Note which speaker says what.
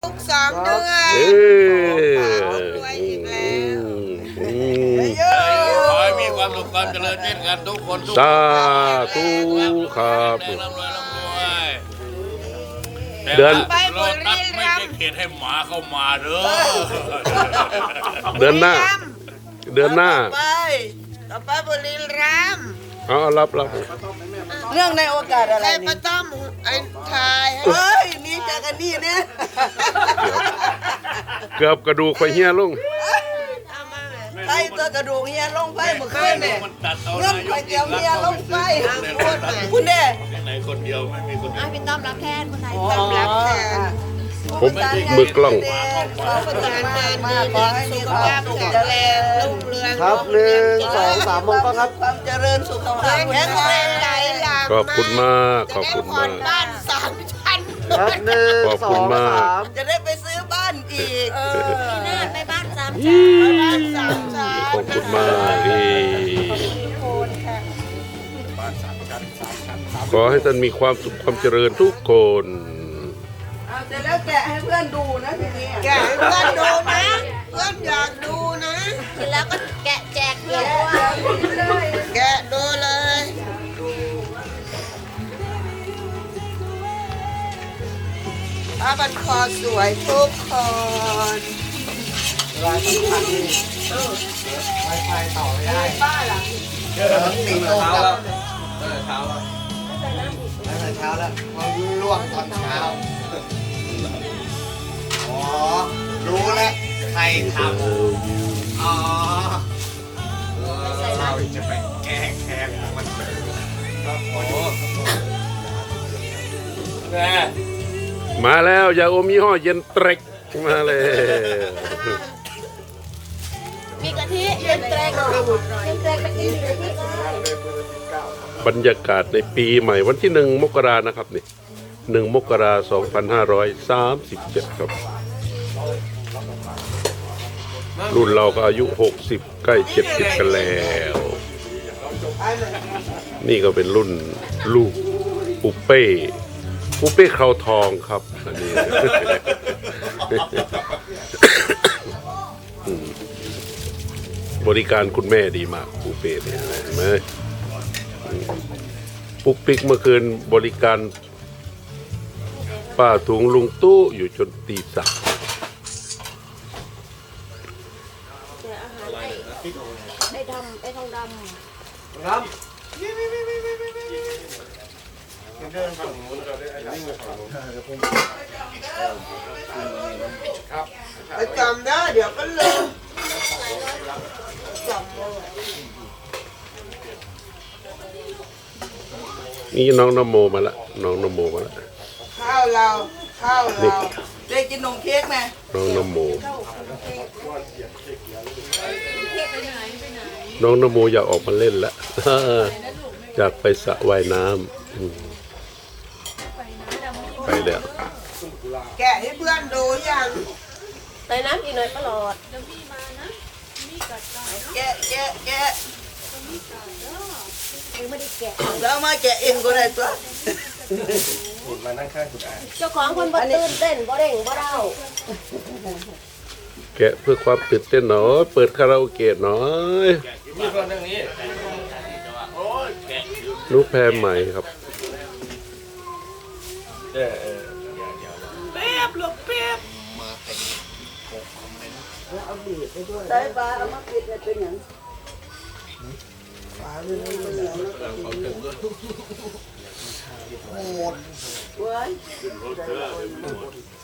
Speaker 1: ก2 เดือนรวยอีกแล้ว
Speaker 2: ขอให้มีความสุขความเจริญเช่นกันทุกคน
Speaker 3: สาธุครับ
Speaker 2: เดือนโลตัสไม่ใช่เขตให้หมาเข้ามาเด้อ
Speaker 3: เดือนหน้า
Speaker 1: ต่อไปบุรีรัมย์
Speaker 3: เอารับ
Speaker 4: เรื่องในโอกาสอะไร
Speaker 1: ให้ป้า
Speaker 4: นี่
Speaker 1: ต้อมไอ้ทาย
Speaker 4: เฮ้ยนี่จากกันนี่เนี่ย
Speaker 3: เกือบกระดูกไปเฮียลุง
Speaker 4: ไส้ตัวกระดูกเฮียลงไปเมื่อคืนเนี่ยเรื่องไปเจียวเฮียลงไปคุณเด้
Speaker 2: ไหนคนเดียวไม่มีคนเดียว
Speaker 5: พี่ต้อมรับแทนคนไหน
Speaker 1: ต้อมรับแทน
Speaker 3: ผมมือกล้อง
Speaker 4: ขอประทานงานมากขอให้มีความสุข
Speaker 1: เจริญรุ่งเรือง
Speaker 6: ครับ1 2 3มองก็ครับ
Speaker 4: ความเจริญสุขภาพ
Speaker 1: แข็งแรงไหลหลาก
Speaker 3: ขอบคุณมากขอบคุณมาก
Speaker 1: บ้าน3 ชั้น
Speaker 6: ครับ
Speaker 3: ขอบ
Speaker 6: 1
Speaker 3: คุณมาก
Speaker 6: 2 3
Speaker 4: จะได้ไปซื้อบ้านอีก
Speaker 5: พี่นาฏไปบ้าน3 ชั้น
Speaker 1: บ้าน3 ชั้น
Speaker 3: ขอบคุณมากขอให้ท่านมีความสุขความเจริญทุกคน
Speaker 4: เอาเสร็จแล้วแกะให้เพื่อนดูนะทีนี้
Speaker 1: แกะให้เพื่อนดูนะเพื่อนอยากดูนะ
Speaker 5: เสร็จแล้วก็แกะแจกเพื่อนด้วย
Speaker 1: แกะดูเลยผ้าบันคอสวยทุกคน
Speaker 6: เวลาที่พันนี่ไวไฟต่อไม่ได้
Speaker 4: ป้าล่ะ
Speaker 6: 4 โมงแล้วเช้าแล้วตั้งแต่เช้าแล้วมาล่วงตอนเช้าอ๋อรู้แล้วใครทำอ๋อเราจะไปแก้แค้นมันครับโอ้แม่
Speaker 3: มาแล้วยาอมยี่ห้อเย็นเตร็กมาเลย
Speaker 5: มีกะทิเย็นแตรกไปกินกะทิ
Speaker 3: บรรยากาศในปีใหม่วันที่1 มกรานะครับนี่1 มกราคม 2537 ครับ รุ่นเราก็อายุ60ใกล้70กันแล้ว นี่ก็เป็นรุ่นลูกปุเป้คราวทองครับอันนี้ บริการคุณแม่ดีมากปุเป้เนี่ยเห็นไหมปุกปิกเมื่อคืนบริการป้าถุงลุงตู้อยู่จนตี 3
Speaker 5: ได้ทำได้ทองดำ
Speaker 6: ครับเดินฝั่งนู้นเราได้วิ่งไปฝั่งนู้นครับ
Speaker 1: ไปจำได้เดี๋ยวก็ลืม
Speaker 3: นี่น้องนโมมาละน้องนโมมาละ
Speaker 1: ข้าวเรา
Speaker 4: ได้กินนมเค้กไหม
Speaker 3: น้องนโมน้องนโมอยากออกมาเล่นละ อยากไปสระว่ายน้ำไปแล้ว
Speaker 1: แกะให้เพื่อนดูยัง
Speaker 5: ใส่น้ำอีกหน่อยก็หลอด
Speaker 4: แกะ
Speaker 5: ไม่ได้แกะ
Speaker 4: แล้วมาแกะเองก็ได้ตัว
Speaker 6: มานั่งข้างคุณอา
Speaker 5: เจ้าของคนบ่ตื่นเต้นบ่เร่งบ่เร่า
Speaker 3: แกะเพื่อความตื่นเต้นหน่อยเปิดคาราโอเกะหน่อย
Speaker 2: มีคนเรื่องนี้โอ้ยแกะ
Speaker 3: ลูกแพรใหม่ครับ
Speaker 4: ได้ปลาเอามาปิดเนี่ยเป็นอย่างปลาเรื่องนี้เป็นอย่างโหดเว้ย